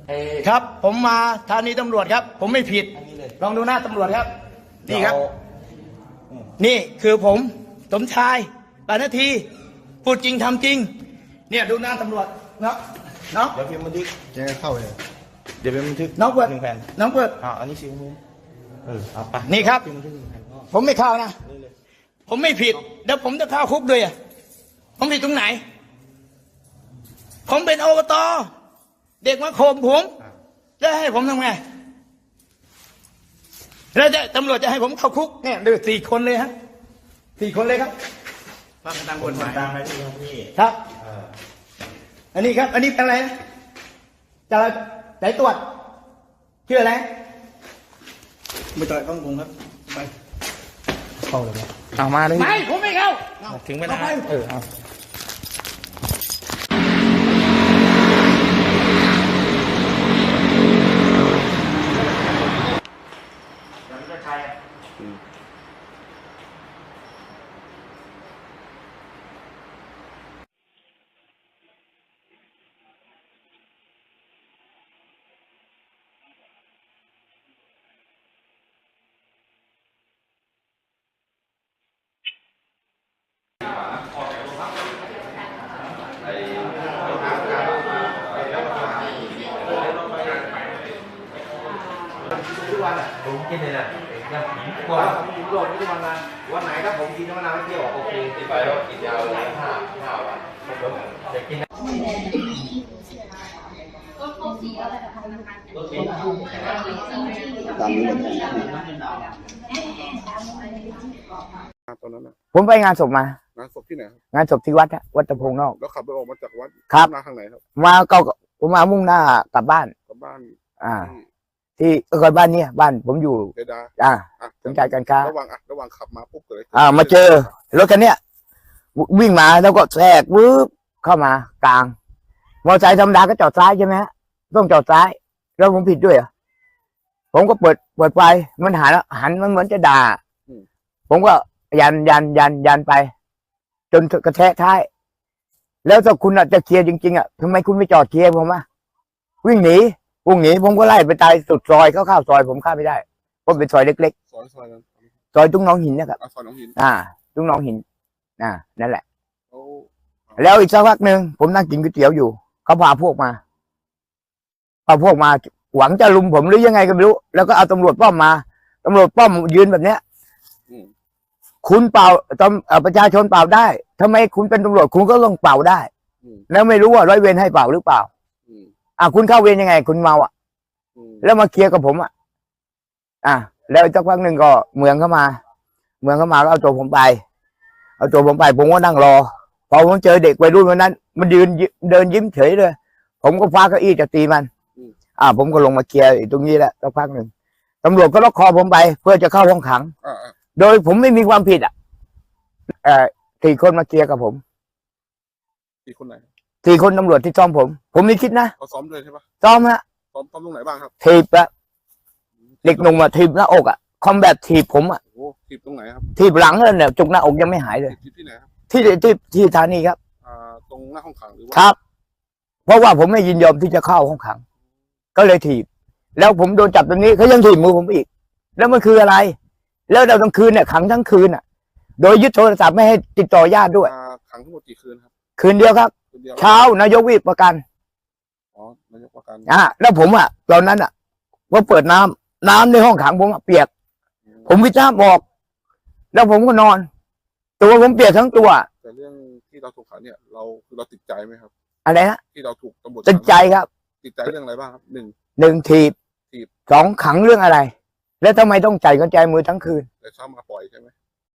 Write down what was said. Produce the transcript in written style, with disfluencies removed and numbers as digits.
ครับผมมาสถานีตำรวจครับ ผมไม่ผิดลองดูหน้าตำรวจครับนี่ครับนี่คือผมสมชายปานาทีพูดจริงทำจริงเนี่ยดูหน้าตำรวจเนาะเดี๋ยวพิมพ์บันทึกจะเข้าเลยเดี๋ยวพิมพ์บันทึกน้องเปิด 1 แผ่นน้องเปิดอันนี้4 มือเอาไปนี่ครับพิมพ์บันทึก1 แผ่นผมไม่เข้านะผมไม่ผิดแล้วผมจะเข้าคุกด้วยอ่ะผมผิดตรงไหนผมเป็นอบต.เด็กมาข่มผมแล้วให้ผมทำไงแล้วตำรวจจะให้ผมเข้าคุกเนี่ยดู4 คนเลยฮะ4 คนเลยครับฟังตามกฎหมายตามไปที่พี่ครับอันนี้ครับอันนี้เป็นอะไรนะจะไหนตรวจชื่ออะไรไม่ต่อยต้องกงครับไปเข้าเลยไหมเอามาเลยไม่ผมไม่เข้าถึงเวลาเอาผมกินเลยนะยังกว่าผมกินโดดทุกวันนะวันไหนถ้าผมกินน้ำมะนาวไม่เที่ยวโอเคติดไปแล้วกินยาวเลย5 วันผมจะกินตอนนั้นนะผมไปงานศพมางานศพที่ไหนครับงานศพที่วัดวัดตะพงนอกแล้วขับรถออกมาจากวัดครับมาทางไหนครับมาก็ผมมามุ่งหน้ากลับบ้านที่บ้านเนี่ยบ้านผมอยู่เจดาสนใจการค้าระหว่างขับมาปุ๊บเลยมาเจอรถคันเนี้ยวิ่งมาแล้วก็แทรกวืบเข้ามากลางมอเตอร์ไซค์ธรรมดาก็จอดซ้ายใช่ไหมฮะต้องจอดซ้ายแล้วผมผิดด้วยเหรอผมก็เปิดไฟมันหันมันเหมือนจะด่าผมก็ยันไปจนกระแทกท้ายแล้วถ้าคุณจะเคลียร์จริงๆทำไมคุณไม่จอดเคลียร์ผมวิ่งหนีผมก็ไล่ไปตายสุดซอยเข้าซอยผมเข้าไม่ได้เพราะเป็นซอยเล็กๆซอยตุ้งน้องหินนะครับซอยน้องหินตุ้งน้องหินนั่นแหละแล้วอีกสักพักหนึ่งผมนั่งกินก๋วยเตี๋ยวอยู่เขาพาพวกมาหวังจะลุมผมหรือยังไงก็ไม่รู้แล้วก็เอาตำรวจป้อมมาตำรวจป้อมยืนแบบเนี้ยคุณเป่าประชาชนเป่าได้ทำไมคุณเป็นตำรวจคุณก็ต้องเป่าได้แล้วไม่รู้ว่าร้อยเวรให้เป่าหรือเปล่าคุณเข้าเวรยังไงคุณเมาแล้วมาเคลียร์กับผมแล้วสักพักหนึ่งก็เมืองเข้ามาแล้วเอาตัวผมไปผมก็นั่งรอพอผมเจอเด็กวัยรุ่นวันนั้นมันเดินยิ้มเฉยเลยผมก็คว้าเก้าอี้จะตีมันผมก็ลงมาเคลียร์ตรงนี้แหละสักพักหนึ่งตำรวจก็ล็อกคอผมไปเพื่อจะเข้าห้องขังโดยผมไม่มีความผิด4 คนมาเคลียร์กับผม 4 คนไหน 4 คนตำรวจที่ซ้อมผมไม่คิดนะเขาซ้อมเลยใช่ปะซ้อมฮะซ้อมตรงไหนบ้างครับถีบเด็กหนุ่มถีบหน้าอกคอมแบทถีบผมถีบตรงไหนครับถีบหลังเลยเนี่ยจุกหน้าอกยังไม่หายเลยที่ไหนครับที่สถานีครับตรงหน้าห้องขังหรือว่าครับเพราะว่าผมไม่ยินยอมที่จะเข้าห้องขังก็เลยถีบแล้วผมโดนจับตรงนี้เขายังถีบมือผมอีกแล้วมันคืออะไรแล้วเราทั้งคืนเนี่ยขังทั้งคืนโดยยึดโทรศัพท์ไม่ให้ติดต่อญาติด้วยขังทั้งหมดกี่คืนครับคืนเดียวครับเช้านายกวิปประกันนายกประกันแล้วผมตอนนั้นว่าเปิดน้ำในห้องขังผมเปียกผมวิจารณ์บอกแล้วผมก็นอนตัวผมเปียกทั้งตัวแต่เรื่องที่เราถูกขังเนี่ยเราติดใจไหมครับอะไรนะที่เราถูกตำรวจติดใจครับติดใจเรื่องอะไรบ้างครับ 1ถีบ2ขังเรื่องอะไรแล้วทำไมต้องใจกันใจมือทั้งคืนแต่ชอบมาปล่อยใช่ไหม